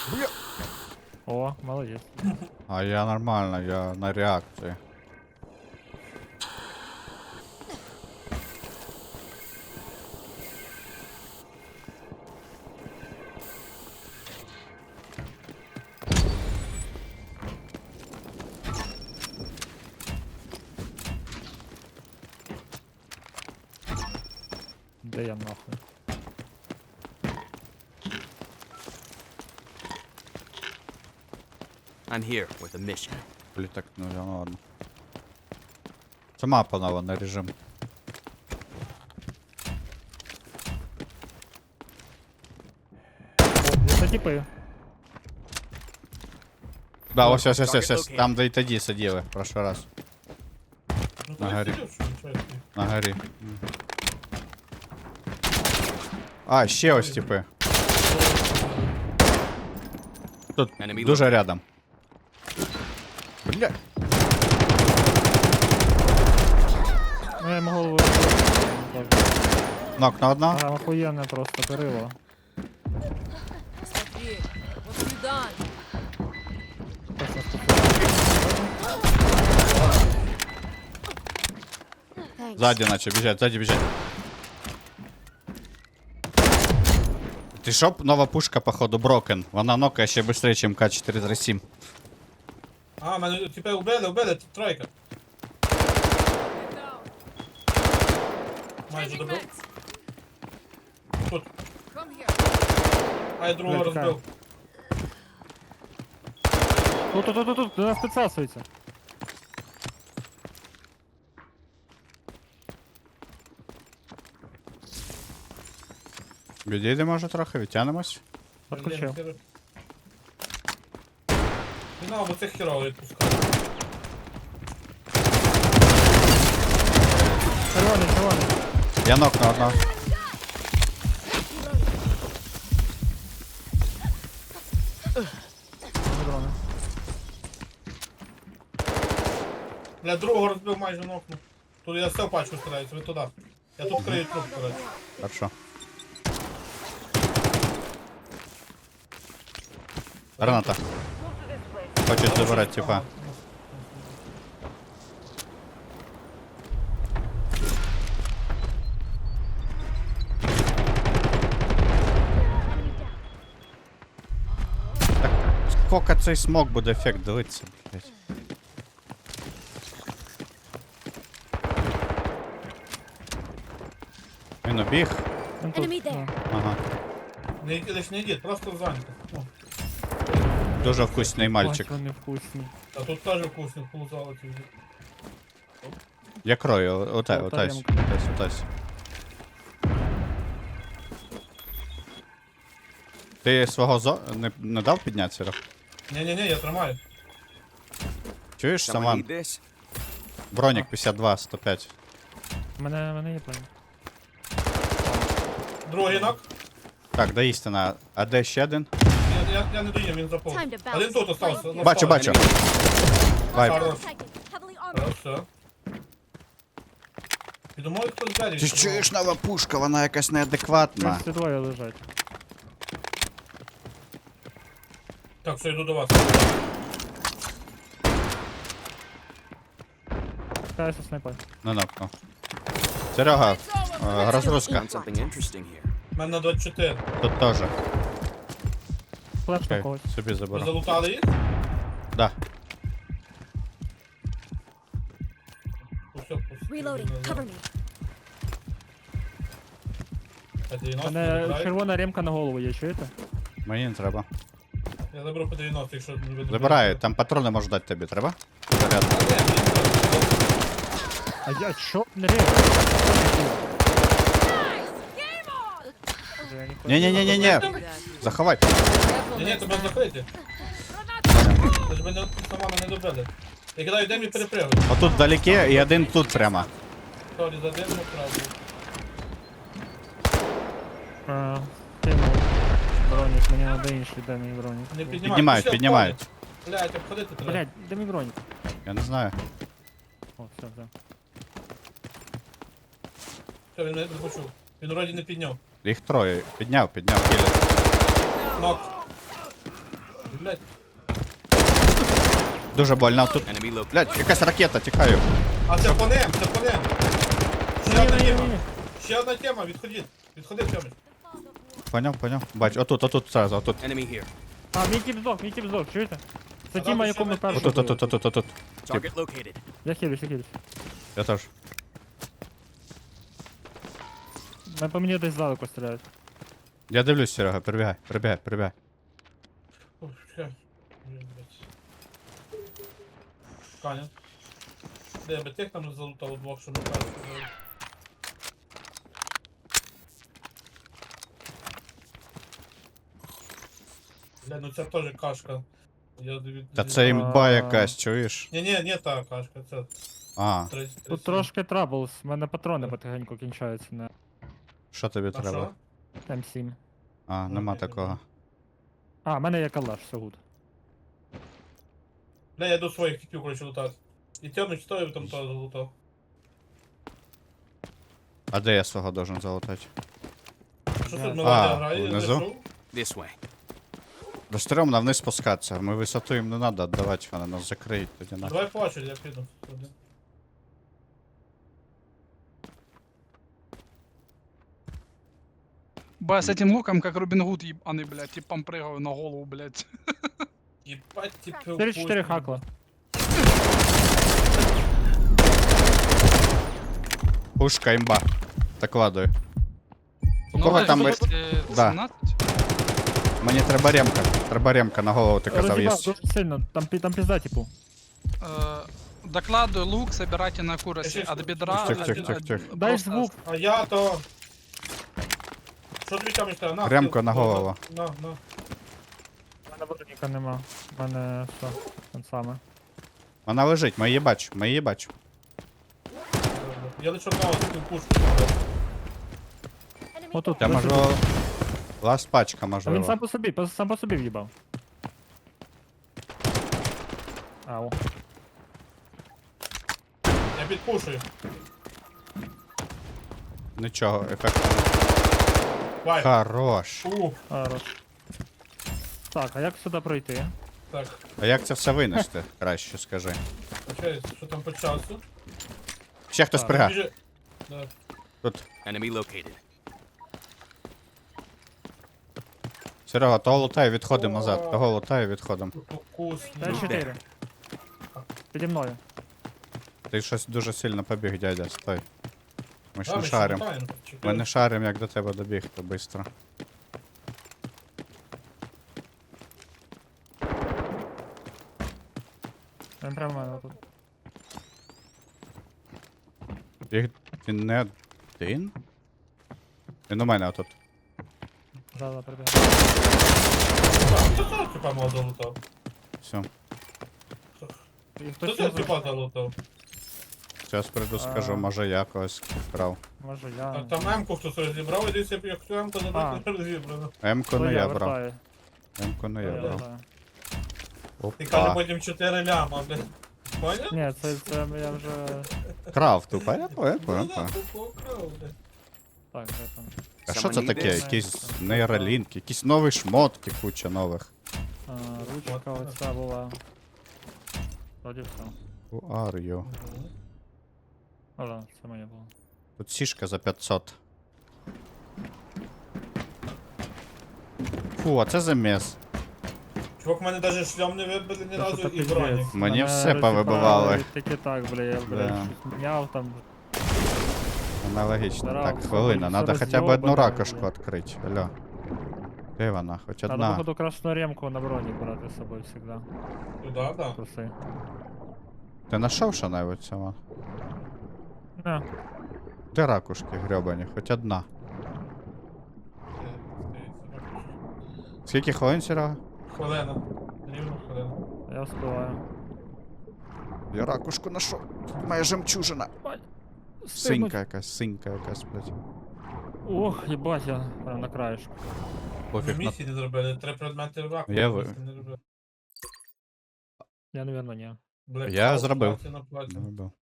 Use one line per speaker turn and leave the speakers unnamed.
О, молодець.
А я нормально, я на реакції.
Де я нахуй?
I'm here with a mission.
Блін, так, ну ладно. Це мапа нова, на режим.
О, це типи.
Да, ось. Там, де й тоді сиділи, в прошлий раз.
Ну,
На
то
горі.
я сидів, що нічого.
На горі. А, ще ось типи. Тут
Enemy
дуже рядом. Бля.
Ну я йому голову.
Нок на одного.
А, охуєнне просто перило.
Смотри, what have you done?
Просто ступив.
Thanks.
Сзади наче біжать, сзади біжать. Ти що, нова пушка, походу, Брокен. Вона нокає ще швидше, ніж К437.
А, мене типа убили, тут тройка. Майже добив. Тут.
Come here.
А я другого
Блядь,
розбив.
Тут, до нас підсасується.
Відійде, може, трохи, відтягнемось.
Підключив.
Не надо, бо цих херово відпускати.
Червоний.
Я нок на одного.
Дрони.
Бля, другого розбив майже нокну. Тут я все в пачку стараюсь, ви туди. Я тут крию труп, коротше.
Хорошо. Граната. Хочуть забирати, типа. Сколько цей смог буде ефект дивитися, блядь. Він убіг.
Він тут.
Enemy there.
Ага.
Не йдіть, просто зайнято. О,
Дуже вкусний мальчик.
Ось вони вкусні.
а тут теж вкусно, полузали ці.
Я крою, отась,
Та
отась,
ямка.
отась. Ти свого не дав піднятися, Рох?
Ні, я тримаю.
Чуєш,
Someone
Саман?
need this?
Бронік 52, 105.
Мене є план.
Другий нок.
Так, до істина. А де ще один?
Я не доїм, він заповз.
Time to bounce.
Один тут остався. на
Бачу,
стороні.
бачу. Вайп.
Хорош.
Protected. Heavily armored.
Хорошо. І думаю, хтось двері.
Ти чуєш, нова пушка, вона якась неадекватна.
Ці двоє лежать.
Так, все, йду до вас.
Кайся снайпер.
На нокну. Серега, розгрузка.
Found something interesting here.
У мене на 24.
Тут теж.
Флеш на
Окей,
когось.
собі
Ви
заберу.
залутали їх?
Да.
Усе,
Reloading. Cover me.
По 90
Мене
забираю.
червона ремка на голову є, чуєте?
Мені не треба.
Я заберу по 90, якщо не видно.
Забираю, там патрони можу дати тобі, треба? Заряд.
А я що? Не ремка.
Ні-ні-ні-ні-ні. Заховай.
Ні, тебе закриті. Ти ж мене сама не добили. Я кидаю дим і перепригую.
Отут вдалеке і один тут прямо.
Сорі, за дим не правду.
Кинув. Бронік, мені треба інший, де мій бронік.
Не
Піднімають,
Пішли,
піднімають.
обходять. Блядь, обходити треба.
Блядь, де мій бронік?
Я не знаю.
О, все.
Все, він мене не почув. Він вроді не підняв.
Їх троє. Підняв, кілер.
Нок. Блядь.
Дуже больно тут.
Enemy located.
Блядь, якась ракета, тікаю.
А це по ним, це по ним. Ще
Ні,
одна
ні, ні,
тема.
ні.
Ще одна тема, відходіть. Відходи, Тьомич.
Поняв. Бач, отут, сразу, отут.
Enemy here.
А, мій тіп здох, чуєте? Це
А
тіма,
там
якому
ще
першому
Отут.
було.
Target located.
Я хилюсь.
Я теж.
По мені десь здалеку стріляють.
Я дивлюсь, Серега, прибігай.
Ух, ще. Блін, блядь. Каня. Де би тих там залутав двох, що ми кажуть. Бля, ну це теж кашка. Я
Та це імба якась, чуєш?
Ні, та кашка, це
А,
30.
Тут трошки траблс, в мене патрони потихеньку кінчаються на
що тобі
А
треба?
що?
М7.
А, нема
Окей,
такого.
А, в мене є калаш, все гуд.
Бля, я йду своїх типів, короче, лутати. І Тьомич стоїв там теж залутав.
А де я свого должен залутати?
Що
А,
тут мелодія грає?
внизу?
знайшов?
This way.
До стрьомно вниз спускатися. Ми висоту їм не треба віддавати, вони нас закриють тоді на.
Давай по очереді, я піду. Туди.
Ба, с этим луком, как Робин Гуд ебаный, блядь, типом прыгаю на голову, блядь.
Єбать, типи
4-4 хакла.
Пушка імба. Так ладую. У
Ну,
кого
да,
там...
что,
ви- Да.
17?
Мені треба ремка на голову, ти казав, є.
Роз'їбав дуже сильно, там пізда, типу.
Докладываю лук, собирайте на куросе от бедра.
Тих.
Дай
просто
звук.
А я то... Що тобі Тьомич треба? На,
Ремко
ти-
на голову.
На.
У мене броніка нема. У мене що? Те саме.
Вона лежить, ми її бачимо.
Я лише одного таку пушку.
Enemy
Отут.
Я
лежить.
можу... Ласт пачка,
А він
можливо.
сам по собі в'їбав. Ау.
Я підпушую.
Нічого, ефект.
Вай.
Хорош.
Хорош. Так, а як сюди пройти?
Так,
А як це все винести? Краще скажи.
окей, що там по часу?
Ще хтось
Так,
прига.
Біжи. Да.
Тут.
Enemy located.
Серега, того лутаю, відходимо назад. Того лутаю, відходимо.
Вкусно.
5-4. Піді мною.
Ти щось дуже сильно побіг, дядя, стой. Ми ж
Да,
не
ми ще
шарим.
лутаємо.
Ми не шарим, як до тебе добігти швидко.
Він прямо в мене тут.
Він не один? Він у мене отут.
Да, прибіг.
Хто цього типа мого залутав?
Все.
І
Хто
хтось
цього
із...
типа залутав?
Зараз прийду, скажу,
А.
може я когось вкрав.
Може я...
Так, там М-ку хтось розібрав, і десь як цю М-ку забрати розібрано.
М-ку
То
не я брав.
вертаю.
М-ку не
То
я брав.
вертаю.
Ти каже
Опа.
потім 4 ляма, блядь. Поняв?
Ні, це я вже...
Крав тупо, я понял.
Ну да, ти покрав, блядь.
Так, де там?
А що це
Someone need
таке?
this?
Якісь нейролінки, якісь нові шмотки, куча нових.
Ручка оця була. Вроді все.
Who are you?
О, да, це моє було.
Тут сішка за 500. Фу, а це заміс.
Чувак, в мене навіть шлям не вибили ні
Це
разу
що
і
таке
броні.
пиздець?
Мені
Мене
все
розібрали
повибивали.
Тільки так, бля, я,
Да.
щось міняв там.
Аналогічно.
Здорово,
Так, хвилина,
все
надо хоча б одну
роз'єбане,
ракушку
бля.
відкрити. Алло. Де вона? Хоч
Надо,
одна.
походу, красну ремку на броні брати з собою всегда.
Туди, да.
Труси.
Ти знайшов що-небудь цього?
Не,
Де ракушки грьобані? Хоч одна. Скільки хвилин, Серега?
Хвилина. Рівно хвилина.
я вспливаю.
Я ракушку знайшов. Моя жемчужина. Синька якась, блядь.
Ох, їбать, я прям на краєшку.
Пофіг на...
Місії не зробили, 3 предмети в раку.
Я
місії не зробили.
Я, напевно, ні.
Black
Я
Hawk,
зробив.
платіна, платіна.
Ну,